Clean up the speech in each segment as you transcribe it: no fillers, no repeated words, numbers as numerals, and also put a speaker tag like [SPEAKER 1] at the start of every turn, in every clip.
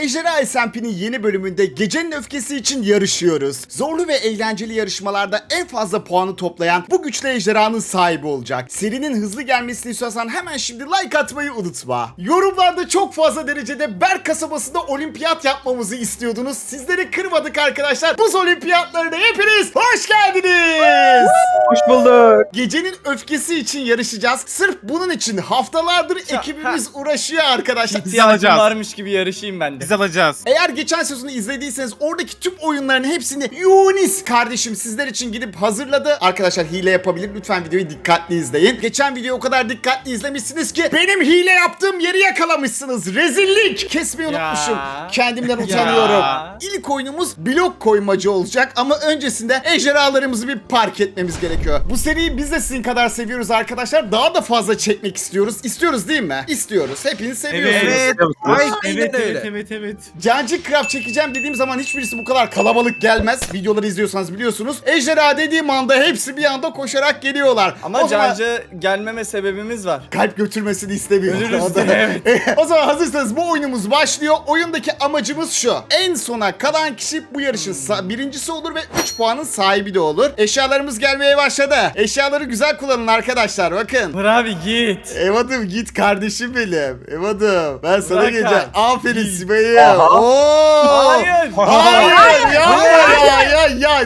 [SPEAKER 1] Ejderha SMP'nin yeni bölümünde gecenin öfkesi için yarışıyoruz. Zorlu ve eğlenceli yarışmalarda en fazla puanı toplayan bu güçlü ejderhanın sahibi olacak. Serinin hızlı gelmesini istiyorsan hemen şimdi like atmayı unutma. Yorumlarda çok fazla derecede Berk kasabasında olimpiyat yapmamızı istiyordunuz. Sizleri kırmadık arkadaşlar. Buz olimpiyatlarına hepiniz hoş geldiniz.
[SPEAKER 2] Hoş bulduk.
[SPEAKER 1] Gecenin öfkesi için yarışacağız. Sırf bunun için haftalardır ekibimiz uğraşıyor arkadaşlar.
[SPEAKER 3] İhtiyacım varmış gibi yarışayım ben de.
[SPEAKER 4] Biz alacağız.
[SPEAKER 1] Eğer geçen sezonu izlediyseniz oradaki tüm oyunların hepsini Yunis kardeşim sizler için gidip hazırladı. Arkadaşlar hile yapabilir. Lütfen videoyu dikkatli izleyin. Geçen videoyu o kadar dikkatli izlemişsiniz ki benim hile yaptığım yeri yakalamışsınız. Rezillik. Kesmeyi unutmuşum. Kendimden utanıyorum. İlk oyunumuz blok koymacı olacak ama öncesinde ejderhalarımızı bir park etmemiz gerekiyor. Bu seriyi biz de sizin kadar seviyoruz arkadaşlar. Daha da fazla çekmek istiyoruz. İstiyoruz değil mi? İstiyoruz. Hepiniz seviyorsunuz.
[SPEAKER 4] Evet.
[SPEAKER 2] Ay,
[SPEAKER 4] Evet.
[SPEAKER 1] Cancık Craft çekeceğim dediğim zaman hiçbirisi bu kadar kalabalık gelmez. Videoları izliyorsanız biliyorsunuz. Ejderha dediğim anda hepsi bir anda koşarak geliyorlar.
[SPEAKER 3] Ama
[SPEAKER 1] o zaman
[SPEAKER 3] Cancı gelmeme sebebimiz var.
[SPEAKER 1] kalp götürmesini istemiyorum.
[SPEAKER 3] Ölürüz
[SPEAKER 1] O da-
[SPEAKER 3] diye,
[SPEAKER 1] O zaman hazırsanız bu oyunumuz başlıyor. Oyundaki amacımız şu. En sona kalan kişi bu yarışın birincisi olur ve 3 puanın sahibi de olur. Eşyalarımız gelmeye başladı. Eşyaları güzel kullanın arkadaşlar bakın.
[SPEAKER 3] Dur abi git.
[SPEAKER 1] Evadım git kardeşim benim. Evadım ben sana
[SPEAKER 3] Bırak
[SPEAKER 1] geleceğim.
[SPEAKER 3] abi.
[SPEAKER 1] Aferin Sibay'ım. Oo.
[SPEAKER 3] Hayır.
[SPEAKER 1] Hayır ya.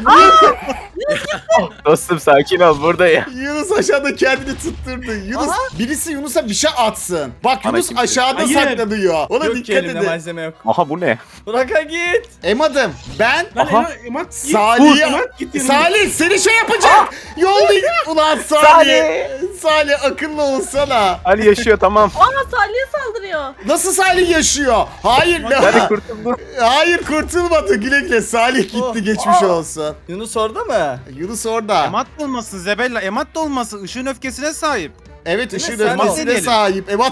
[SPEAKER 2] Dostum sakin ol buradayım.
[SPEAKER 1] Yunus aşağıda kendini tutturdu. Yunus birisi Yunus'a bir şey atsın. Bak
[SPEAKER 2] Bana
[SPEAKER 1] Yunus
[SPEAKER 2] kimse-
[SPEAKER 1] aşağıda
[SPEAKER 4] Hayır.
[SPEAKER 1] saklanıyor. Ona
[SPEAKER 3] Yok ki
[SPEAKER 1] dikkat
[SPEAKER 3] elimde
[SPEAKER 1] edin.
[SPEAKER 3] malzeme yok.
[SPEAKER 2] Aha bu ne?
[SPEAKER 3] Bırak'a git.
[SPEAKER 1] Emadım ben
[SPEAKER 2] Aha.
[SPEAKER 1] Salih seni şey yapacak. Yollayın. Ulan Salih akıllı olsana.
[SPEAKER 2] Ali yaşıyor tamam.
[SPEAKER 5] Aa Salih'e saldırıyor.
[SPEAKER 1] Nasıl Salih yaşıyor? Hayır
[SPEAKER 2] Ali kurtuldu.
[SPEAKER 1] Hayır kurtulmadı. Güle güle Salih gitti geçmiş olsun.
[SPEAKER 3] Yunus orada mı?
[SPEAKER 1] Yunus orada.
[SPEAKER 4] Emat da olmasın Zebella. Emat da olmasın. Işığın öfkesine sahip.
[SPEAKER 1] Evet
[SPEAKER 3] Değil mi?
[SPEAKER 1] ışın
[SPEAKER 3] Sen
[SPEAKER 1] ölmesine
[SPEAKER 4] deneyelim.
[SPEAKER 1] sahip. Emat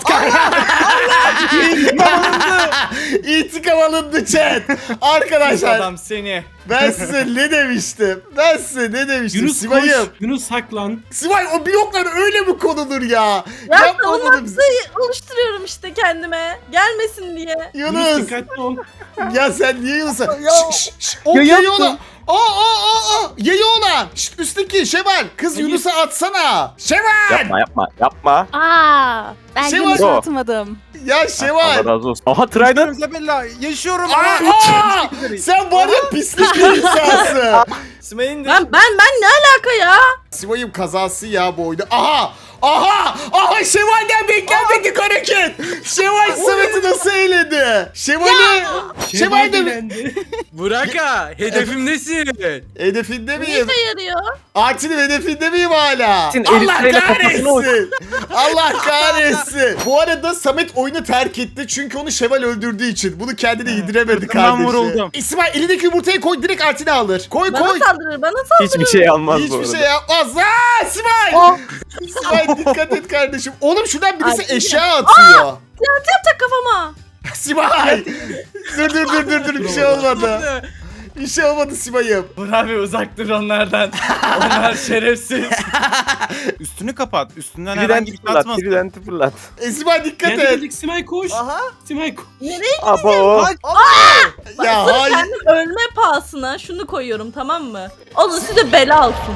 [SPEAKER 1] İntikam alındı chat. Arkadaşlar
[SPEAKER 3] Adam seni.
[SPEAKER 1] ben size ne demiştim?
[SPEAKER 6] Yunus
[SPEAKER 1] Simay'ım.
[SPEAKER 6] koş, Yunus saklan.
[SPEAKER 1] Simay o bloklar öyle mi konulur ya?
[SPEAKER 5] Ya
[SPEAKER 1] Yapma bunu
[SPEAKER 5] savunma
[SPEAKER 1] bize.
[SPEAKER 5] oluşturuyorum işte kendime. Gelmesin diye.
[SPEAKER 6] Yunus
[SPEAKER 1] Yunus.
[SPEAKER 6] dikkatli ol.
[SPEAKER 1] Ya sen niye Yunus'a?
[SPEAKER 3] Ya.
[SPEAKER 1] O
[SPEAKER 2] Ya
[SPEAKER 1] yayı
[SPEAKER 2] yaptım.
[SPEAKER 1] ona. Yayı ona. Şşt, üstteki Şevval. Kız Yunus'a atsana. Şevval.
[SPEAKER 2] Yapma.
[SPEAKER 7] Aa, ben
[SPEAKER 1] Şey
[SPEAKER 7] Yunus'u
[SPEAKER 1] var.
[SPEAKER 7] atmadım.
[SPEAKER 1] Ya
[SPEAKER 2] Allah
[SPEAKER 1] Şevval.
[SPEAKER 2] razı olsun. Aha Trident.
[SPEAKER 4] Yaşıyorum Zebella. Yaşıyorum.
[SPEAKER 1] Sen var ya pislik bir insansın.
[SPEAKER 3] Sümey'in de.
[SPEAKER 5] Ben ne alaka ya?
[SPEAKER 1] Simay'ım kazası ya bu oyunda. Aha Şevval'den beklenmedik hareket. Şevval Samet'i nasıl eğledi? Şevval de
[SPEAKER 6] dilendi.
[SPEAKER 8] Buraka, hedefimdesin.
[SPEAKER 1] hedefinde
[SPEAKER 5] Ne
[SPEAKER 1] miyim?
[SPEAKER 5] işe yarıyor?
[SPEAKER 1] Artin'in hedefinde miyim hala?
[SPEAKER 2] Artin,
[SPEAKER 1] Allah
[SPEAKER 2] Elif'le kafasına
[SPEAKER 1] kahretsin. Allah kahretsin. Bu arada Samet oyunu terk etti çünkü onu Şevval öldürdüğü için. Bunu kendine yediremedi
[SPEAKER 4] Sırtımdan
[SPEAKER 1] kardeşi.
[SPEAKER 4] vuruldum.
[SPEAKER 1] İsmail elindeki yumurtayı koy direkt Artin'e alır. Koy.
[SPEAKER 5] Bana saldırır.
[SPEAKER 2] Hiçbir şey almaz bu
[SPEAKER 1] Hiçbir
[SPEAKER 2] arada.
[SPEAKER 1] şey yapmaz. İsmail! İsmail dikkat et kardeşim. Oğlum şuradan birisi
[SPEAKER 5] Ay,
[SPEAKER 1] eşya atıyor.
[SPEAKER 5] TNT yapacak kafama.
[SPEAKER 1] Simay! Dur bir şey olmadı. Bir şey olmadı Simay'ım.
[SPEAKER 3] Dur abi uzak dur onlardan. Onlar şerefsiz.
[SPEAKER 4] Üstünü kapat. Üstünden herhangi bir
[SPEAKER 2] Trident'i
[SPEAKER 4] şey
[SPEAKER 2] fırlat.
[SPEAKER 4] atmasın.
[SPEAKER 2] Trident'i fırlat.
[SPEAKER 1] Simay dikkat
[SPEAKER 6] Kendi
[SPEAKER 1] et.
[SPEAKER 6] dedik Simay koş.
[SPEAKER 3] Aha.
[SPEAKER 6] Simay koş.
[SPEAKER 2] Abo.
[SPEAKER 1] Ya
[SPEAKER 5] Sırf
[SPEAKER 1] hayır.
[SPEAKER 5] kendim ölme pahasına şunu koyuyorum tamam mı? Olun size bela olsun.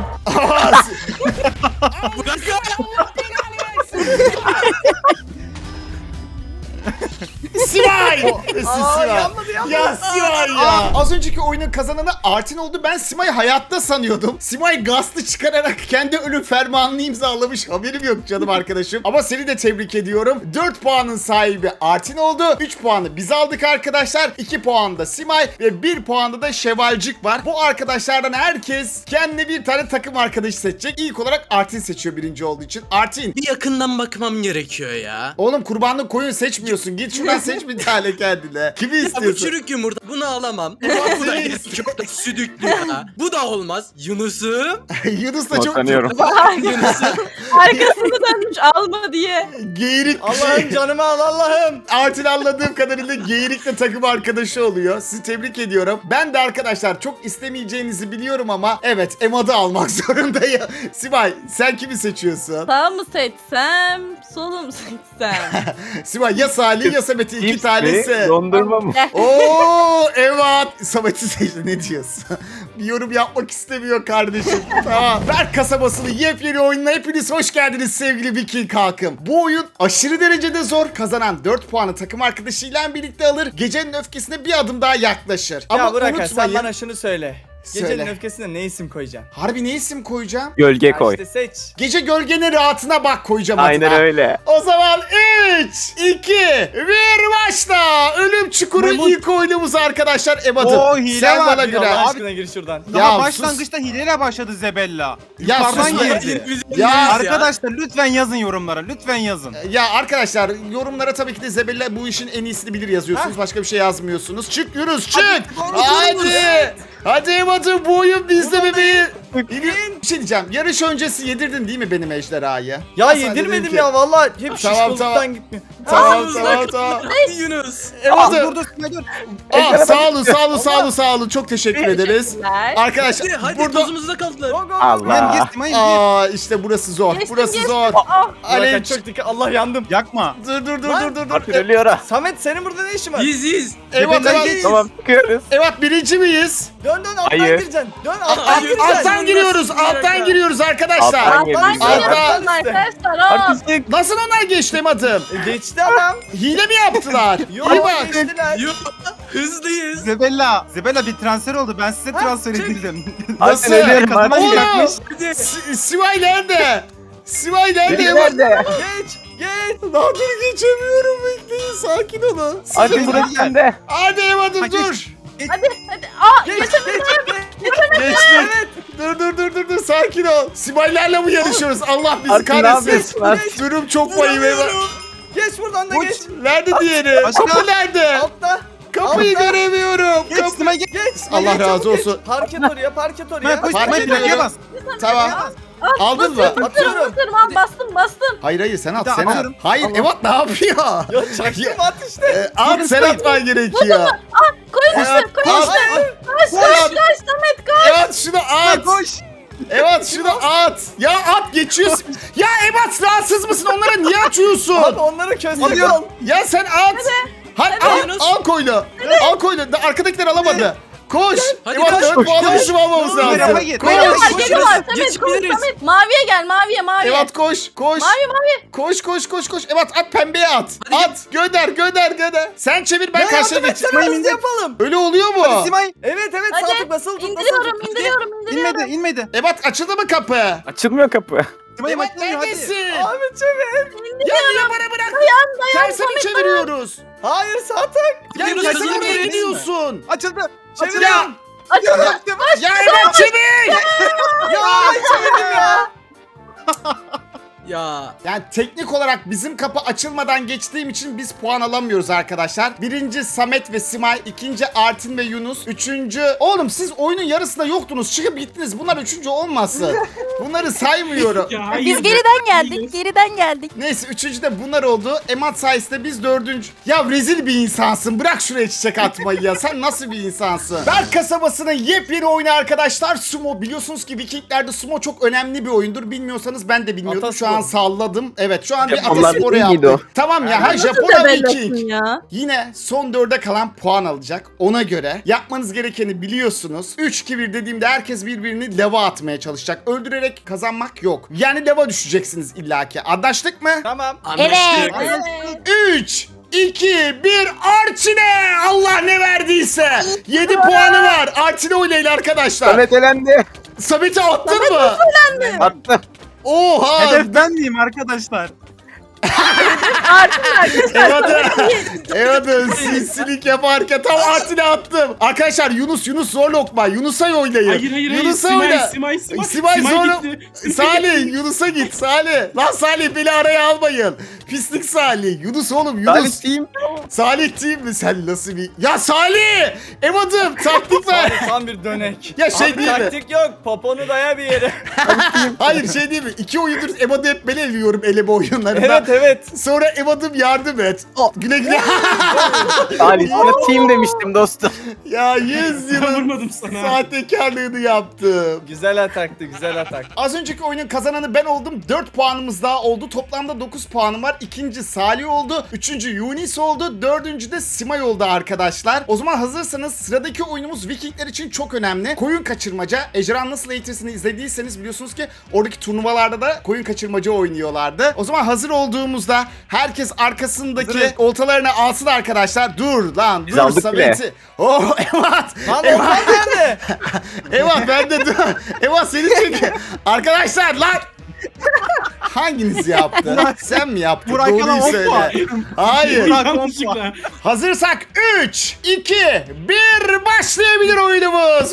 [SPEAKER 1] Simay! Simay.
[SPEAKER 3] yanmadı.
[SPEAKER 1] Ya Simay ya. Az önceki oyunun kazananı Artin oldu. Ben Simay'ı hayatta sanıyordum. Simay gazlı çıkararak kendi ölüm fermanını imzalamış. Haberim yok canım arkadaşım. Ama seni de tebrik ediyorum. 4 puanın sahibi Artin oldu. 3 puanı biz aldık arkadaşlar. 2 puan da Simay ve 1 puanda da Şevalcik var. Bu arkadaşlardan herkes kendine bir tane takım arkadaşı seçecek. İlk olarak Artin seçiyor birinci olduğu için. Artin.
[SPEAKER 8] Bir yakından bakmam gerekiyor ya.
[SPEAKER 1] Oğlum kurbanlık koyun seçmiyorsun. Git şuradan seç bir tane kendine. Kimi
[SPEAKER 8] Ya bu
[SPEAKER 1] istiyorsun?
[SPEAKER 8] çürük yumurta, bunu alamam. Bu da
[SPEAKER 1] Seni
[SPEAKER 8] köpek südüklü ya. Bu da olmaz. Yunus'um.
[SPEAKER 1] Yunus da çok
[SPEAKER 2] Tanıyorum.
[SPEAKER 8] Yunus'um.
[SPEAKER 5] Arkasını dönmüş alma diye.
[SPEAKER 1] geğirik.
[SPEAKER 3] Allah'ım canımı al Allah'ım.
[SPEAKER 1] Artin anladığım kadarıyla geğirikle takım arkadaşı oluyor. Sizi tebrik ediyorum. Ben de arkadaşlar çok istemeyeceğinizi biliyorum ama evet Emad'ı almak zorundayım. Simay sen kimi seçiyorsun?
[SPEAKER 5] Sağ mı seçsem, solu mu seçsem?
[SPEAKER 1] Simay ya Salih ya Samet'i iki
[SPEAKER 2] Cips
[SPEAKER 1] tanesi.
[SPEAKER 2] mi? Dondurma mı?
[SPEAKER 1] Oo evet. Samet'i seçti, ne diyorsun? Bir yorum yapmak istemiyor kardeşim. Tamam. Berk kasabasının yepyeni oyununa hepiniz hoş geldiniz sevgili Viking halkım. Bu oyun aşırı derecede zor. Kazanan 4 puanı takım arkadaşıyla birlikte alır. Gecenin öfkesine bir adım daha yaklaşır. Ama
[SPEAKER 3] Ya bırak sen
[SPEAKER 1] unutmayın.
[SPEAKER 3] bana şunu söyle.
[SPEAKER 1] Söyle.
[SPEAKER 3] Gecenin öfkesine ne isim koyacaksın?
[SPEAKER 1] Harbi ne isim koyacağım?
[SPEAKER 2] Gölge
[SPEAKER 3] Ya
[SPEAKER 2] koy.
[SPEAKER 3] işte seç.
[SPEAKER 1] Gece gölgenin rahatına bak koyacağım
[SPEAKER 2] Aynen
[SPEAKER 1] adına.
[SPEAKER 2] öyle.
[SPEAKER 1] O zaman 3, 2, 1 başla. Ölüm Çukuru
[SPEAKER 4] Memur-
[SPEAKER 1] ilk oyunumuz arkadaşlar. Ebat'ım
[SPEAKER 4] Oo, hile
[SPEAKER 1] sen
[SPEAKER 4] var
[SPEAKER 1] bana
[SPEAKER 4] bir
[SPEAKER 1] göre.
[SPEAKER 3] Allah aşkına gir şuradan.
[SPEAKER 1] Ya
[SPEAKER 4] Daha
[SPEAKER 1] sus.
[SPEAKER 4] başlangıçta hileyle başladı Zebella.
[SPEAKER 1] Ya
[SPEAKER 4] Yukarıdan
[SPEAKER 1] sus be.
[SPEAKER 4] girdi.
[SPEAKER 1] Ya
[SPEAKER 4] Arkadaşlar lütfen yazın yorumlara. Lütfen yazın.
[SPEAKER 1] Ya arkadaşlar yorumlara tabii ki de Zebella bu işin en iyisini bilir yazıyorsunuz. Başka bir şey yazmıyorsunuz. Çık Yunus çık. Hadi. Hadi Ebat'ım bu oyun bizde bebeği. Bir şey diyeceğim. Yarış öncesi yedirdin değil mi benim ejderhayı?
[SPEAKER 3] Ya
[SPEAKER 1] Ben sana dedim
[SPEAKER 3] yedirmedim
[SPEAKER 1] ki-
[SPEAKER 3] ya vallahi hep
[SPEAKER 1] Tamam,
[SPEAKER 3] şişkolluktan
[SPEAKER 1] tamam.
[SPEAKER 3] gitmiyor.
[SPEAKER 1] Tamam
[SPEAKER 8] Ağzınızda
[SPEAKER 1] tamam tamam.
[SPEAKER 8] Hadi Yunus.
[SPEAKER 1] Ebat'ım.
[SPEAKER 4] Dur dur.
[SPEAKER 1] Ah, sağ olun sağ olun sağ olun sağ olun. Çok teşekkür ederiz.
[SPEAKER 5] Teşekkürler.
[SPEAKER 1] Arkadaşlar
[SPEAKER 8] Hadi
[SPEAKER 1] burada...
[SPEAKER 8] tozumuzda kaldılar.
[SPEAKER 3] Go go.
[SPEAKER 2] Allah.
[SPEAKER 4] Gir.
[SPEAKER 1] Aa işte burası zor.
[SPEAKER 5] Geçtim,
[SPEAKER 1] Burası
[SPEAKER 5] geçtim.
[SPEAKER 1] zor.
[SPEAKER 5] Ah,
[SPEAKER 1] Alev.
[SPEAKER 3] Bırak çok dikkat. Allah yandım.
[SPEAKER 4] Yakma.
[SPEAKER 1] Dur.
[SPEAKER 2] Artık ölüyor ha.
[SPEAKER 3] Samet senin burada ne işin var?
[SPEAKER 8] Yiz.
[SPEAKER 1] Evet
[SPEAKER 4] Zebella
[SPEAKER 1] evet.
[SPEAKER 2] Tamam çıkıyoruz.
[SPEAKER 1] Evet birinci miyiz?
[SPEAKER 3] Dön alttan
[SPEAKER 2] Hayır.
[SPEAKER 3] gireceksin. Dön alttan
[SPEAKER 8] Hayır.
[SPEAKER 3] gireceksin.
[SPEAKER 1] Alttan giriyoruz. Alttan giriyoruz arkadaşlar.
[SPEAKER 2] Alttan
[SPEAKER 5] alttan
[SPEAKER 2] geliyoruz.
[SPEAKER 5] geliyoruz
[SPEAKER 3] Alttan.
[SPEAKER 5] arkadaşlar. Hop.
[SPEAKER 2] Artistik.
[SPEAKER 1] Nasıl onlar geçti adım?
[SPEAKER 3] Geçti adam.
[SPEAKER 1] Hile mi yaptılar?
[SPEAKER 3] Yok
[SPEAKER 1] İyi bak.
[SPEAKER 3] geçtiler.
[SPEAKER 8] Yok. Hızlıyız.
[SPEAKER 4] Zebella bir transfer oldu. Ben size transfer
[SPEAKER 3] çek.
[SPEAKER 4] edildim.
[SPEAKER 1] Nasıl?
[SPEAKER 2] Artık ölüyorum.
[SPEAKER 4] Kazanma
[SPEAKER 2] Artık.
[SPEAKER 4] bırakmış.
[SPEAKER 8] Hadi.
[SPEAKER 1] Sivay nerede? Sivay nerede?
[SPEAKER 2] Nerede?
[SPEAKER 3] Geç.
[SPEAKER 1] Daha dur geçemiyorum. Bekleyin sakin olun.
[SPEAKER 2] Artık burası sende.
[SPEAKER 1] Hadi Evadım
[SPEAKER 4] Hadi.
[SPEAKER 1] dur.
[SPEAKER 5] Hadi. Aa
[SPEAKER 3] Geç.
[SPEAKER 5] geçemedim.
[SPEAKER 1] Geçtik. Dur sakin ol. Sibaylarla mı yarışıyoruz? Allah bizi
[SPEAKER 2] Artık ne
[SPEAKER 1] kahretsin.
[SPEAKER 2] yapıyorsun lan?
[SPEAKER 1] Durum çok vahim Evat.
[SPEAKER 3] Geç buradan da
[SPEAKER 4] Uç.
[SPEAKER 3] geç.
[SPEAKER 1] Nerede diğeri?
[SPEAKER 4] Başka?
[SPEAKER 1] Kapı nerede?
[SPEAKER 3] Altta.
[SPEAKER 1] Kapıyı
[SPEAKER 3] Altta.
[SPEAKER 1] göremiyorum.
[SPEAKER 4] Geç Simay geç.
[SPEAKER 1] Allah
[SPEAKER 3] Geç,
[SPEAKER 1] razı
[SPEAKER 3] çabuk geç.
[SPEAKER 1] olsun.
[SPEAKER 3] Park et oraya, park et
[SPEAKER 4] Simay
[SPEAKER 3] oraya.
[SPEAKER 4] koş
[SPEAKER 1] Fark
[SPEAKER 4] Simay
[SPEAKER 1] ediyorum.
[SPEAKER 4] plakaya bas.
[SPEAKER 1] Tamam. Aldın mı?
[SPEAKER 3] Atıyorum.
[SPEAKER 5] Bastım.
[SPEAKER 1] Hayır sen at
[SPEAKER 4] Bir daha
[SPEAKER 1] sen at.
[SPEAKER 4] atıyorum.
[SPEAKER 1] Hayır Evat ne yapıyor?
[SPEAKER 3] Ya çaktım at işte.
[SPEAKER 1] At sen atman gerekiyor.
[SPEAKER 5] Koyun
[SPEAKER 1] Evet,
[SPEAKER 5] üstüne koyun
[SPEAKER 1] at.
[SPEAKER 5] üstüne. Koş Samet koş.
[SPEAKER 1] Evet şunu at.
[SPEAKER 4] Koş.
[SPEAKER 1] Evet şunu at. Ya at geçiyorsun. Ya Evat rahatsız mısın? Onlara niye açıyorsun?
[SPEAKER 3] Abi onları köstek
[SPEAKER 4] Alıyorum.
[SPEAKER 3] al.
[SPEAKER 1] Ya sen at. Hadi
[SPEAKER 8] Yunus.
[SPEAKER 1] al koyunu. Al koyunu. Da arkadakiler alamadı. Koş.
[SPEAKER 8] Hadi
[SPEAKER 1] Evat
[SPEAKER 8] koş,
[SPEAKER 1] 4
[SPEAKER 2] koş,
[SPEAKER 1] puanla
[SPEAKER 2] koş.
[SPEAKER 1] düşüm almamız
[SPEAKER 4] Dur,
[SPEAKER 1] lazım.
[SPEAKER 4] tarafa git.
[SPEAKER 1] Koş.
[SPEAKER 5] Geliyorlar
[SPEAKER 8] koş,
[SPEAKER 5] geliyorlar.
[SPEAKER 8] koş.
[SPEAKER 5] Samet koş
[SPEAKER 8] Geçebiliriz.
[SPEAKER 5] Samet. Maviye gel maviye.
[SPEAKER 1] Evat koş.
[SPEAKER 5] Mavi.
[SPEAKER 1] Koş. Evat at pembeye at. At. Gönder. Sen çevir ben karşıya geç.
[SPEAKER 3] Geçelim hızlı yapalım.
[SPEAKER 1] Öyle oluyor mu?
[SPEAKER 4] Simay.
[SPEAKER 3] Evet sağ
[SPEAKER 5] Hadi.
[SPEAKER 3] tık basılı tut.
[SPEAKER 5] İndiriyorum.
[SPEAKER 4] İnmedi.
[SPEAKER 1] Evat açıldı mı kapı?
[SPEAKER 2] Açılmıyor kapı.
[SPEAKER 4] Simay
[SPEAKER 1] Evat
[SPEAKER 4] hadi.
[SPEAKER 1] neredesin?
[SPEAKER 3] Abi çevir.
[SPEAKER 1] Ya niye bana bırak?
[SPEAKER 5] Dayan
[SPEAKER 1] Terse mi çeviriyoruz?
[SPEAKER 3] Hayır sağ tık.
[SPEAKER 1] Ya
[SPEAKER 8] Yunus,
[SPEAKER 1] niye
[SPEAKER 8] hızlı
[SPEAKER 1] sen oraya
[SPEAKER 8] yürü.
[SPEAKER 1] gidiyorsun?
[SPEAKER 4] Açıldı.
[SPEAKER 3] Çeviriyorum.
[SPEAKER 5] Açıldı.
[SPEAKER 1] Ya Evat çevir!
[SPEAKER 3] Ya çevirdim ya.
[SPEAKER 8] Ya.
[SPEAKER 1] Yani teknik olarak bizim kapı açılmadan geçtiğim için biz puan alamıyoruz arkadaşlar. Birinci Samet ve Simay, ikinci Artin ve Yunus, üçüncü... Oğlum siz oyunun yarısında yoktunuz, çıkıp gittiniz. Bunlar üçüncü olmasın. Bunları saymıyorum.
[SPEAKER 6] Ya hayır.
[SPEAKER 5] Biz geriden geldik.
[SPEAKER 1] Neyse üçüncü de bunlar oldu. Emat sayesinde biz dördüncü. Ya rezil bir insansın. Bırak şuraya çiçek atmayı ya. Sen nasıl bir insansın? Berk kasabasının yepyeni oyunu arkadaşlar. Sumo. Biliyorsunuz ki Vikinglerde sumo çok önemli bir oyundur. Bilmiyorsanız ben de bilmiyordum. Şu
[SPEAKER 3] Ataspor.
[SPEAKER 1] an salladım. Evet şu an bir
[SPEAKER 2] Japonlar
[SPEAKER 1] atasporu
[SPEAKER 2] Viking'iydi
[SPEAKER 1] yaptık. Tamam ya. Ha
[SPEAKER 5] Nasıl
[SPEAKER 1] Japonlar
[SPEAKER 5] tebellasın
[SPEAKER 1] Viking.
[SPEAKER 5] ya?
[SPEAKER 1] Yine son 4'e kalan puan alacak. Ona göre yapmanız gerekeni biliyorsunuz. 3-2-1 dediğimde herkes birbirini lava atmaya çalışacak. Öldürerek kazanmak yok. Yani lava düşeceksiniz illaki. Anlaştık mı?
[SPEAKER 3] Tamam.
[SPEAKER 8] Anlaştık.
[SPEAKER 5] Evet.
[SPEAKER 1] 3, 2, 1 Arçine! Allah ne verdiyse. 7 puanı var. Arçine oynayın arkadaşlar.
[SPEAKER 2] Samet elendi.
[SPEAKER 1] Samet'i attın mı?
[SPEAKER 2] Attım.
[SPEAKER 1] Oha!
[SPEAKER 4] Hedef ben miyim arkadaşlar?
[SPEAKER 1] Evet sinsilik yaparken tam Artin'e attım. Arkadaşlar Yunus zor lokma. Yunus'a oynayın.
[SPEAKER 6] Hayır.
[SPEAKER 1] Yunus'a
[SPEAKER 6] Simay,
[SPEAKER 1] oyna.
[SPEAKER 6] Simay.
[SPEAKER 1] Simay zor.
[SPEAKER 6] gitti.
[SPEAKER 1] Salih Yunus'a git Salih. Lan Salih beni araya almayın. Pislik Salih. Yunus oğlum Yunus.
[SPEAKER 2] Salih team.
[SPEAKER 1] Salih değil mi? Sen nasıl bir... Ya Salih! Evadım taktik ver.
[SPEAKER 3] Tam bir dönek.
[SPEAKER 1] Ya şey
[SPEAKER 3] Abi
[SPEAKER 1] değil mi?
[SPEAKER 3] taktik yok. Poponu daya bir yere.
[SPEAKER 1] Hayır şey değil mi? 2 oyundur Evadı hep ben eliyorum eleme oyunlarında.
[SPEAKER 3] Evet evet.
[SPEAKER 1] Sonra Evat'ım yardım et. Güle güle.
[SPEAKER 2] Ali sana team demiştim dostum.
[SPEAKER 1] Ya 100
[SPEAKER 6] Ben
[SPEAKER 1] yılın
[SPEAKER 6] vurmadım sana.
[SPEAKER 1] sahtekarlığını yaptım.
[SPEAKER 3] Güzel ataktı, güzel atak.
[SPEAKER 1] Az önceki oyunun kazananı ben oldum. 4 puanımız daha oldu. Toplamda 9 puanım var. İkinci Salih oldu. Üçüncü Yunis oldu. Dördüncü de Simay oldu arkadaşlar. O zaman hazırsanız sıradaki oyunumuz Vikingler için çok önemli. Koyun kaçırmaca. Ejderhan Nasıl Eğitirsin'i izlediyseniz biliyorsunuz ki oradaki turnuvalarda da koyun kaçırmaca oynuyorlardı. O zaman hazır olduğumuzda herkes arkasındaki
[SPEAKER 4] Hazırız.
[SPEAKER 1] oltalarını alsın arkadaşlar. Dur lan
[SPEAKER 2] Biz
[SPEAKER 1] dur
[SPEAKER 2] aldık
[SPEAKER 1] Samet'i. Oh Evat.
[SPEAKER 3] Lan
[SPEAKER 1] Evat.
[SPEAKER 3] Okan nerede?
[SPEAKER 1] Evat ben de dur. Evat seni çekiyor. Arkadaşlar lan. Hanginiz yaptı? Sen mi yaptın?
[SPEAKER 4] Burak
[SPEAKER 1] Doğruyu
[SPEAKER 4] Yalan 10
[SPEAKER 1] söyle.
[SPEAKER 4] puan.
[SPEAKER 1] Hayır.
[SPEAKER 6] Yanlışlıkla.
[SPEAKER 1] Hazırsak 3, 2, 1 başlayabilir oyunumuz.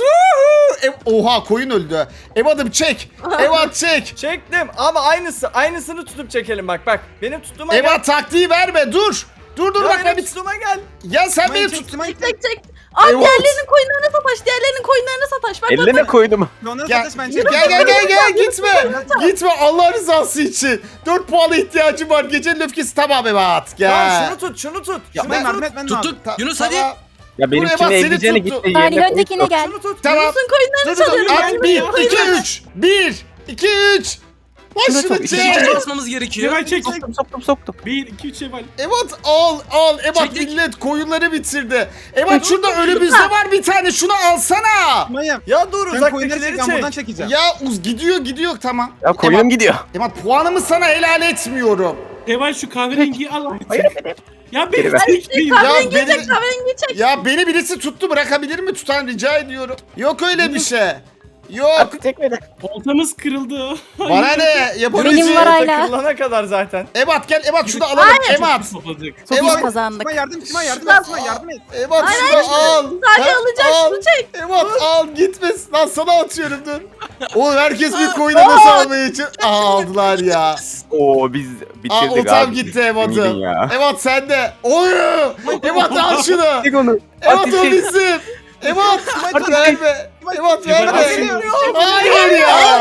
[SPEAKER 1] Oha koyun öldü. Evat'ım çek. Evat çek.
[SPEAKER 3] Çektim ama aynısını tutup çekelim bak. Benim tuttuğuma gel.
[SPEAKER 1] Evat taktiği verme dur. Dur
[SPEAKER 3] Ya
[SPEAKER 1] bak ben
[SPEAKER 3] benim
[SPEAKER 1] bir...
[SPEAKER 3] tuttuğuma gel.
[SPEAKER 1] Ya sen beni
[SPEAKER 4] Simay
[SPEAKER 1] tut.
[SPEAKER 4] çek, Simay
[SPEAKER 5] Çek çek. Aa
[SPEAKER 1] Evet.
[SPEAKER 5] diğerlerinin koyunlarına sataş. Diğerlerinin koyunlarına sataş. Bak
[SPEAKER 2] Eline koydum.
[SPEAKER 4] Onları
[SPEAKER 1] Gel,
[SPEAKER 4] satış bence.
[SPEAKER 1] gel gitme. Gitme Allah rızası için. 4 puana ihtiyacım var. Gecenin öfkesi tamam Evat. Gel.
[SPEAKER 3] Tamam şunu tut.
[SPEAKER 1] Ya
[SPEAKER 3] Şunu
[SPEAKER 1] ben-
[SPEAKER 3] tut.
[SPEAKER 4] Ben de aldım.
[SPEAKER 8] Tuttuk. Yunus hadi.
[SPEAKER 1] Tamam.
[SPEAKER 2] Ya
[SPEAKER 1] Buraya bak,
[SPEAKER 2] benimkine
[SPEAKER 1] seni
[SPEAKER 2] eleyeceğine
[SPEAKER 1] tuttu.
[SPEAKER 2] gitti
[SPEAKER 7] Salih
[SPEAKER 2] yerine
[SPEAKER 7] öndekine
[SPEAKER 2] koydu.
[SPEAKER 7] gel.
[SPEAKER 3] Şunu tut.
[SPEAKER 1] Tamam.
[SPEAKER 5] Yunus'un koyunlarını
[SPEAKER 1] Dur.
[SPEAKER 5] çalıyorum.
[SPEAKER 1] At 1, 2, 3. 1, 2, 3. Başını
[SPEAKER 2] çok-
[SPEAKER 1] çek.
[SPEAKER 8] İkinci basmamız gerekiyor.
[SPEAKER 6] Şevval çek.
[SPEAKER 2] Soktum.
[SPEAKER 6] 1, 2, 3 Şevval.
[SPEAKER 1] Evat al. Evat
[SPEAKER 8] Çektik.
[SPEAKER 1] millet koyunları bitirdi. Evat şurada önümüzde var bir tane. Şunu alsana.
[SPEAKER 4] Simay'ım.
[SPEAKER 3] Ya dur
[SPEAKER 4] Sen koyunları
[SPEAKER 3] uzaktakileri
[SPEAKER 4] çek, ben buradan
[SPEAKER 3] çek.
[SPEAKER 4] çekeceğim.
[SPEAKER 1] Ya gidiyor tamam.
[SPEAKER 2] Ya koyunum gidiyor.
[SPEAKER 1] Evat puanımı sana helal etmiyorum.
[SPEAKER 6] Şevval şu kahverengiyi al artık. Ya
[SPEAKER 2] Geri
[SPEAKER 6] beni
[SPEAKER 2] ver.
[SPEAKER 6] çekmeyin.
[SPEAKER 5] Kahverengi
[SPEAKER 1] beni-
[SPEAKER 5] çek kahverengi çek.
[SPEAKER 1] Ya beni birisi tuttu bırakabilir mi tutan rica ediyorum. Yok öyle bir şey. Yok.
[SPEAKER 2] Hadi tekmeden.
[SPEAKER 6] Oltamız kırıldı.
[SPEAKER 1] Bana ne?
[SPEAKER 7] Benim
[SPEAKER 1] Yapabileceğim.
[SPEAKER 7] var hala.
[SPEAKER 3] Takılana kadar zaten.
[SPEAKER 1] Evat gel Evat şunu alalım Evat.
[SPEAKER 6] Topladık.
[SPEAKER 7] Biz
[SPEAKER 1] Evat.
[SPEAKER 7] kazandık.
[SPEAKER 4] Simay yardım et. Simay yardım et.
[SPEAKER 1] Evat şunu al.
[SPEAKER 5] Salih
[SPEAKER 1] Ha,
[SPEAKER 5] alacak
[SPEAKER 1] al.
[SPEAKER 5] şunu çek.
[SPEAKER 1] Evat al gitmesin lan sana atıyorum dur. Oğlum herkes bir koyuna nasıl almaya için aldılar ya.
[SPEAKER 2] Oo biz bitirdik abi.
[SPEAKER 1] Otam gitti Evat'ım.
[SPEAKER 2] Ümidin ya.
[SPEAKER 1] Evat sende. Oy. Evat al şunu.
[SPEAKER 2] Çek onu.
[SPEAKER 1] Evat
[SPEAKER 2] Hadi
[SPEAKER 1] o
[SPEAKER 2] çek.
[SPEAKER 1] bizim. Evat verme. Evat
[SPEAKER 6] Evat
[SPEAKER 1] verme.
[SPEAKER 6] al.
[SPEAKER 1] Hayır ya.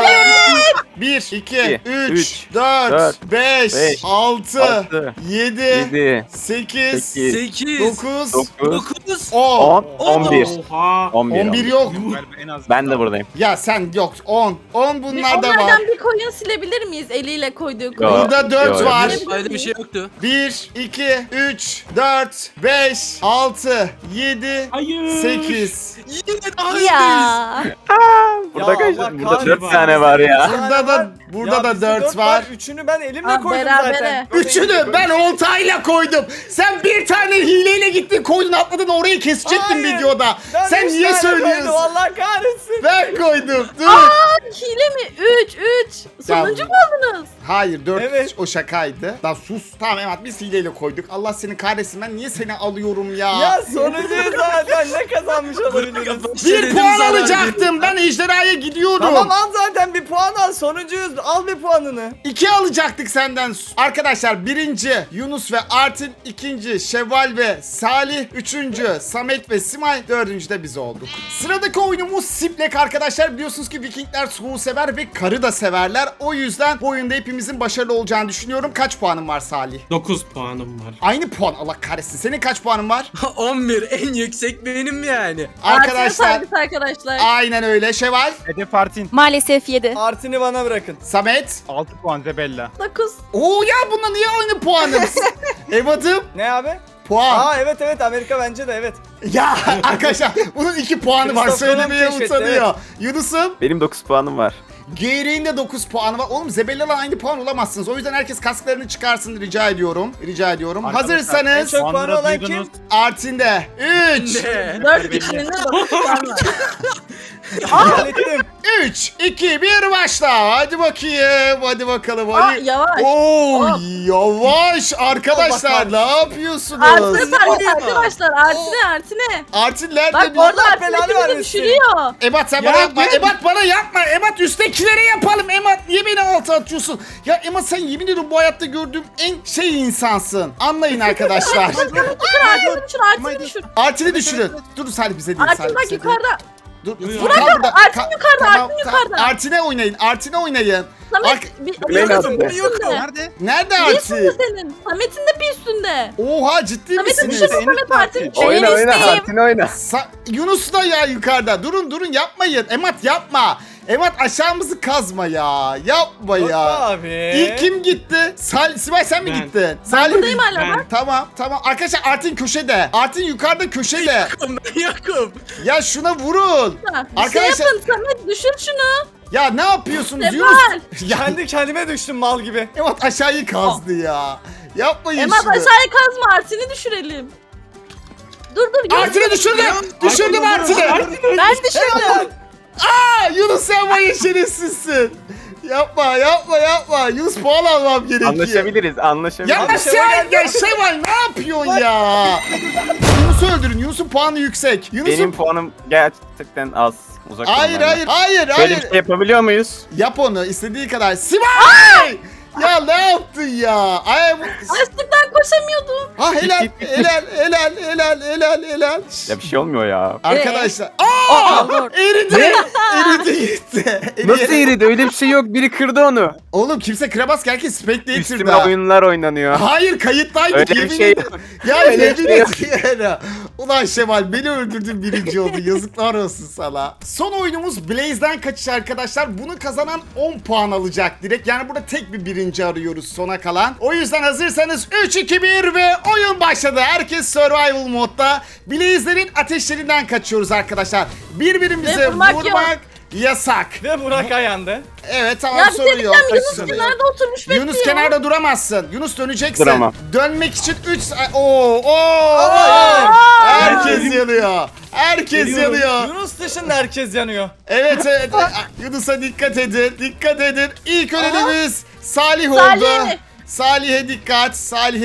[SPEAKER 1] 1, 2, 3,
[SPEAKER 2] üç,
[SPEAKER 1] 4,
[SPEAKER 2] dört,
[SPEAKER 1] 5,
[SPEAKER 2] beş,
[SPEAKER 1] 6,
[SPEAKER 2] altı,
[SPEAKER 1] 7,
[SPEAKER 2] 7,
[SPEAKER 1] 8,
[SPEAKER 2] 8,
[SPEAKER 8] 8.
[SPEAKER 1] 9,
[SPEAKER 2] 9,
[SPEAKER 8] 9.
[SPEAKER 1] 10.
[SPEAKER 2] 10, 11.
[SPEAKER 6] Oha.
[SPEAKER 1] 11 yok.
[SPEAKER 4] Galiba en az.
[SPEAKER 2] Ben de buradayım.
[SPEAKER 1] Ya sen yok 10. 10 bunlar da var.
[SPEAKER 5] Onlardan bir koyun silebilir miyiz eliyle koyduğu koyun?
[SPEAKER 1] Burada 4
[SPEAKER 2] Yok.
[SPEAKER 1] var.
[SPEAKER 8] Öyle bir şey yoktu.
[SPEAKER 1] 1, 2, 3, 4, 5, 6, 7,
[SPEAKER 6] Hayır.
[SPEAKER 1] 8.
[SPEAKER 8] Yine daha öndeyiz.
[SPEAKER 7] Ya.
[SPEAKER 2] Burada
[SPEAKER 3] Ya
[SPEAKER 2] kaç?
[SPEAKER 3] Allah
[SPEAKER 2] Burada 4
[SPEAKER 6] kahretsin.
[SPEAKER 2] tane var ya.
[SPEAKER 1] Burada da 4 var.
[SPEAKER 3] Üçünü ben elimle
[SPEAKER 5] Aa,
[SPEAKER 3] koydum
[SPEAKER 5] berabere.
[SPEAKER 3] zaten.
[SPEAKER 1] Üçünü ben oltayla koydum. Sen bir tane hileyle gittin koydun atladın orayı kesecektin
[SPEAKER 3] Hayır.
[SPEAKER 1] videoda.
[SPEAKER 3] Ben
[SPEAKER 1] Sen
[SPEAKER 3] üç
[SPEAKER 1] niye
[SPEAKER 3] tane
[SPEAKER 1] söylüyorsun?
[SPEAKER 3] koydum, Allah kahretsin.
[SPEAKER 1] Ben koydum. Dur.
[SPEAKER 5] Hile mi? 3. Sonuncu mu oldunuz?
[SPEAKER 1] Hayır 4
[SPEAKER 3] Evet.
[SPEAKER 1] o şakaydı. Lan sus. Tamam evet biz hileyle koyduk. Allah seni kahretsin ben niye seni alıyorum ya?
[SPEAKER 3] Ya sonuncuyuz zaten ne kazanmış olabiliriz?
[SPEAKER 1] Bir puan alacaktım. Ben ejderhaya gidiyorum.
[SPEAKER 3] Tamam al zaten bir puan al sonuncuyuz al bir puanını.
[SPEAKER 1] 2 alacaktık senden. Arkadaşlar birinci Yunus ve Artin, ikinci Şevval ve Salih, üçüncü Samet ve Simay, dördüncü de biz olduk. Sıradaki oyunumuz Siplek arkadaşlar. Biliyorsunuz ki Vikingler soğuğu sever ve karı da severler. O yüzden bu oyunda hepimizin başarılı olacağını düşünüyorum. Kaç puanın var Salih?
[SPEAKER 6] 9 puanım var.
[SPEAKER 1] Aynı puan Allah kahretsin. Senin kaç puanın var?
[SPEAKER 8] 11 en yüksek benim yani.
[SPEAKER 1] Arkadaşlar
[SPEAKER 5] Arkadaşlar.
[SPEAKER 1] aynen öyle. Şevval,
[SPEAKER 4] Hedef Artin.
[SPEAKER 7] Maalesef 7.
[SPEAKER 3] Artini bana bırakın.
[SPEAKER 1] Samet.
[SPEAKER 4] 6 puan Zebella.
[SPEAKER 5] 9.
[SPEAKER 1] Oo ya bununla niye aynı puanımız? Evat'ım
[SPEAKER 3] Ne abi?
[SPEAKER 1] puan.
[SPEAKER 3] Aa evet Amerika bence de evet.
[SPEAKER 1] Ya arkadaşlar bunun 2 puanı var.
[SPEAKER 3] Christopher
[SPEAKER 1] Söylemeye
[SPEAKER 3] Nolan keşfetti,
[SPEAKER 1] utanıyor. Yunus'um
[SPEAKER 2] Benim 9 puanım var.
[SPEAKER 1] Gereğin de 9 puanı var. Oğlum Zebella'la aynı puan olamazsınız. O yüzden herkes kasklarını çıkarsın rica ediyorum. Rica ediyorum.
[SPEAKER 4] Arkadaşlar,
[SPEAKER 3] En
[SPEAKER 1] Hazırsanız
[SPEAKER 3] çok puanı
[SPEAKER 4] puanları
[SPEAKER 3] olan
[SPEAKER 4] duydunuz.
[SPEAKER 3] kim?
[SPEAKER 1] Artin'de 3
[SPEAKER 8] Ne?
[SPEAKER 5] 4 kişinin de 9 puan var.
[SPEAKER 3] Hallettim.
[SPEAKER 1] 3 2 1 başla. Hadi bakayım. Hadi bakalım.
[SPEAKER 5] Aa
[SPEAKER 1] Hadi.
[SPEAKER 5] yavaş.
[SPEAKER 1] Oo
[SPEAKER 5] Hop.
[SPEAKER 1] yavaş arkadaşlar
[SPEAKER 3] Allah
[SPEAKER 1] ne yapıyorsunuz?
[SPEAKER 5] Artine sarı
[SPEAKER 8] oluyor?
[SPEAKER 5] arkadaşlar. Artine.
[SPEAKER 1] Artin nerede?
[SPEAKER 5] Bak
[SPEAKER 1] bir-
[SPEAKER 5] orada
[SPEAKER 3] Allah
[SPEAKER 5] Artine
[SPEAKER 3] belanı
[SPEAKER 5] bizi
[SPEAKER 3] vermesin.
[SPEAKER 5] düşürüyor.
[SPEAKER 1] Ebat sen
[SPEAKER 3] Ya
[SPEAKER 1] bana yapma.
[SPEAKER 3] ben-
[SPEAKER 1] Ebat bana yapma. Ebat üsttekilere yapalım. Ebat niye beni alta atıyorsun? Ya Ebat sen yemin ediyorum bu hayatta gördüğüm en insansın. Anlayın arkadaşlar.
[SPEAKER 5] Artine düşür. Artine düşür.
[SPEAKER 1] Artin'i düşürün. Dur Salih bize değil.
[SPEAKER 5] Artin
[SPEAKER 1] Salih
[SPEAKER 5] bak
[SPEAKER 1] bize değil.
[SPEAKER 5] yukarıda.
[SPEAKER 1] Dur.
[SPEAKER 6] Yok,
[SPEAKER 1] Furkan
[SPEAKER 6] yok.
[SPEAKER 1] burada.
[SPEAKER 5] Artin yukarıda, Artin
[SPEAKER 1] tamam.
[SPEAKER 5] yukarıda.
[SPEAKER 1] Artin'e oynayın. Artin'e oynayın.
[SPEAKER 5] Samet bir
[SPEAKER 2] Beni
[SPEAKER 5] Samet'in
[SPEAKER 2] attı.
[SPEAKER 5] bir üstünde.
[SPEAKER 4] Nerede?
[SPEAKER 1] Nerede
[SPEAKER 5] Bir üstünde
[SPEAKER 1] Artin?
[SPEAKER 5] senin. Samet'in de bir üstünde.
[SPEAKER 1] Oha ciddi
[SPEAKER 5] Samet'in
[SPEAKER 1] misiniz?
[SPEAKER 5] düşürme Samet Artin.
[SPEAKER 2] Oyna oyna Hatin oyna.
[SPEAKER 1] Yunus da ya yukarıda. Durun yapmayın. Emat yapma. Emat aşağımızı kazma ya. Yapma ya.
[SPEAKER 3] Abi.
[SPEAKER 1] İlk kim gitti? Sibel sen mi
[SPEAKER 6] Ben.
[SPEAKER 1] gittin? Salih
[SPEAKER 5] Buradayım hala
[SPEAKER 6] Ben.
[SPEAKER 5] ben.
[SPEAKER 1] Tamam. Arkadaşlar Artin köşede. Artin yukarıda köşede.
[SPEAKER 8] Ben yokum.
[SPEAKER 1] Ya şuna vurun.
[SPEAKER 5] Bir şey
[SPEAKER 1] Arkadaşlar
[SPEAKER 5] yapın Samet düşür şunu.
[SPEAKER 1] ya ne yapıyorsunuz
[SPEAKER 5] Seval.
[SPEAKER 1] Yunus? Ya
[SPEAKER 3] Kendi kendime düştüm mal gibi.
[SPEAKER 1] Emat aşağıyı kazdı ya. Yapmayın
[SPEAKER 5] Emat
[SPEAKER 1] şunu.
[SPEAKER 5] aşağıya kazma Artin'i düşürelim. Dur.
[SPEAKER 1] Artin'i düşürdüm. Düşürdüm Artin'i.
[SPEAKER 5] Ben düşürdüm.
[SPEAKER 1] Yunus sen bayağı şerefsizsin. Yapma. Yunus puan almam gerekiyor.
[SPEAKER 2] Anlaşabiliriz
[SPEAKER 1] Ya
[SPEAKER 2] anlaşabiliriz.
[SPEAKER 1] sen ya Şevval ne yapıyorsun ya? Yunus'u öldürün. Yunus'un puanı yüksek.
[SPEAKER 2] Benim
[SPEAKER 1] Yunus'un...
[SPEAKER 2] puanım gerçekten az. Uzak durun
[SPEAKER 1] Hayır.
[SPEAKER 2] benden. Böyle bir şey yapabiliyor muyuz?
[SPEAKER 1] Yap onu istediği kadar. Sibel! Ya ne yaptın ya? Ay,
[SPEAKER 5] Açlıktan koşamıyordum.
[SPEAKER 1] ha helal.
[SPEAKER 2] Ya bir şey olmuyor ya.
[SPEAKER 1] Arkadaşlar. Eridi gitti.
[SPEAKER 2] Nasıl eridi? Öyle bir şey yok. Biri kırdı onu.
[SPEAKER 1] Oğlum kimse kıramaz ki herkes Spectator'da.
[SPEAKER 2] Üstüme oyunlar oynanıyor.
[SPEAKER 1] Hayır kayıttaydık
[SPEAKER 2] Öyle bir
[SPEAKER 1] yemin
[SPEAKER 2] şey
[SPEAKER 1] ederim.
[SPEAKER 2] yok.
[SPEAKER 1] Ya
[SPEAKER 2] Öyle
[SPEAKER 1] yemin
[SPEAKER 2] bir şey yok.
[SPEAKER 1] ediyorum. Ulan Şemal beni öldürdün birinci oldu. Yazıklar olsun sana. Son oyunumuz Blaze'den kaçış arkadaşlar. Bunu kazanan 10 puan alacak direkt. Yani burada tek bir birinci arıyoruz sona kalan. O yüzden hazırsanız 3, 2, 1 ve oyun başladı. Herkes survival modda. Blaze'lerin ateşlerinden kaçıyoruz arkadaşlar. Birbirimize
[SPEAKER 5] Ve vurmak
[SPEAKER 1] vurmak yasak.
[SPEAKER 3] Ve Burak ayandı.
[SPEAKER 1] Evet tamam
[SPEAKER 5] Ya bir
[SPEAKER 1] sorun
[SPEAKER 5] şey
[SPEAKER 1] yok.
[SPEAKER 5] diyeceğim Yunus
[SPEAKER 1] Sorun yok.
[SPEAKER 5] kenarda oturmuş bekliyor.
[SPEAKER 1] Yunus kenarda duramazsın. Yunus döneceksin.
[SPEAKER 2] Duramam.
[SPEAKER 1] Dönmek için 3 Herkes yanıyor. Herkes
[SPEAKER 6] Geliyorum.
[SPEAKER 1] yanıyor.
[SPEAKER 3] Yunus dışında herkes yanıyor.
[SPEAKER 1] Evet. Yunus'a dikkat edin. Dikkat edin. İlk ölenimiz Salih oldu.
[SPEAKER 5] Salih.
[SPEAKER 1] Salih'e dikkat.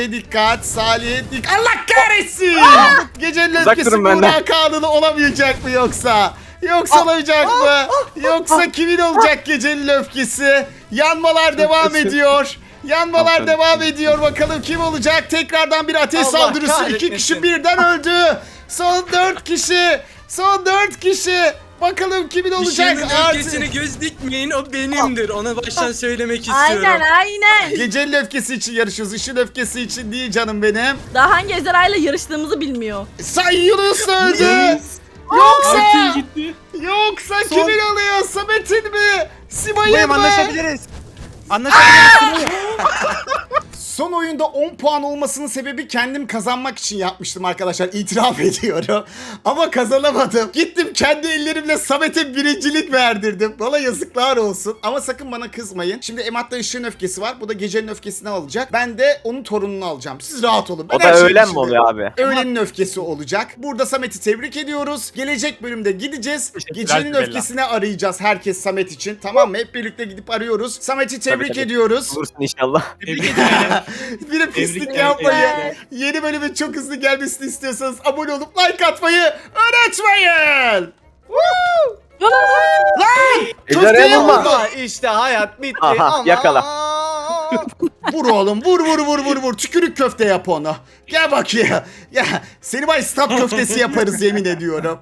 [SPEAKER 1] Allah kahretsin. Gecenin
[SPEAKER 2] Uzak
[SPEAKER 1] öfkesi
[SPEAKER 2] durun benden.
[SPEAKER 1] Burak Kanunu olamayacak mı yoksa? Olacak mı? Yoksa kimin olacak gecenin öfkesi? Yanmalar devam ediyor.
[SPEAKER 2] Tamam.
[SPEAKER 1] Devam ediyor. Bakalım kim olacak? Tekrardan bir ateş
[SPEAKER 3] Allah
[SPEAKER 1] saldırısı. 2
[SPEAKER 3] kahretmesin.
[SPEAKER 1] kişi birden öldü. Son 4 kişi. Bakalım kimin olacak?
[SPEAKER 8] İşinin
[SPEAKER 1] Artık.
[SPEAKER 8] öfkesine göz dikmeyin, o benimdir. Ona baştan söylemek istiyorum.
[SPEAKER 5] Aynen.
[SPEAKER 1] Gecenin öfkesi için yarışıyoruz. Işın öfkesi için değil canım benim.
[SPEAKER 5] Daha hangi ejderhayla yarıştığımızı bilmiyor.
[SPEAKER 1] Yunus öldü.
[SPEAKER 6] Artin gitti.
[SPEAKER 1] Yoksa kimin alıyor? Samet'in mi? Simay'ın
[SPEAKER 4] Buradayım
[SPEAKER 1] mı?
[SPEAKER 4] anlaşabiliriz. Anlaşabiliriz.
[SPEAKER 1] Son oyunda 10 puan olmasının sebebi kendim kazanmak için yapmıştım arkadaşlar. İtiraf ediyorum. Ama kazanamadım. Gittim kendi ellerimle Samet'e birincilik verdirdim. Valla yazıklar olsun. Ama sakın bana kızmayın. Şimdi Emat'ta ışığın öfkesi var. Bu da gecenin öfkesini alacak. Ben de onun torununu alacağım. Siz rahat olun. Ben
[SPEAKER 2] O
[SPEAKER 1] her
[SPEAKER 2] da
[SPEAKER 1] şeyi
[SPEAKER 2] öğlen mi
[SPEAKER 1] düşünüyorum.
[SPEAKER 2] oluyor abi?
[SPEAKER 1] Öğlenin öfkesi olacak. Burada Samet'i tebrik ediyoruz. Gelecek bölümde gideceğiz. Gecenin
[SPEAKER 3] Bella.
[SPEAKER 1] öfkesini arayacağız herkes Samet için. Tamam mı? Hep birlikte gidip arıyoruz. Samet'i tebrik
[SPEAKER 2] tabii.
[SPEAKER 1] ediyoruz.
[SPEAKER 2] Bulursun inşallah.
[SPEAKER 6] Tebrik ederim.
[SPEAKER 1] Bir de pislik
[SPEAKER 6] Tebrikler.
[SPEAKER 1] yapmayın.
[SPEAKER 5] Evet.
[SPEAKER 1] Yeni bölümün çok hızlı gelmesini istiyorsanız abone olup like atmayı unutmayın. Lan!
[SPEAKER 2] Ejderhaya
[SPEAKER 1] Köfteye
[SPEAKER 2] vurma.
[SPEAKER 1] vurdu.
[SPEAKER 3] Ama işte hayat bitti.
[SPEAKER 2] Aha,
[SPEAKER 3] Ama...
[SPEAKER 2] yakala.
[SPEAKER 1] Vur oğlum vur. Tükürük köfte yap onu. Gel bakayım. Ya seni bay stat köftesi yaparız yemin ediyorum.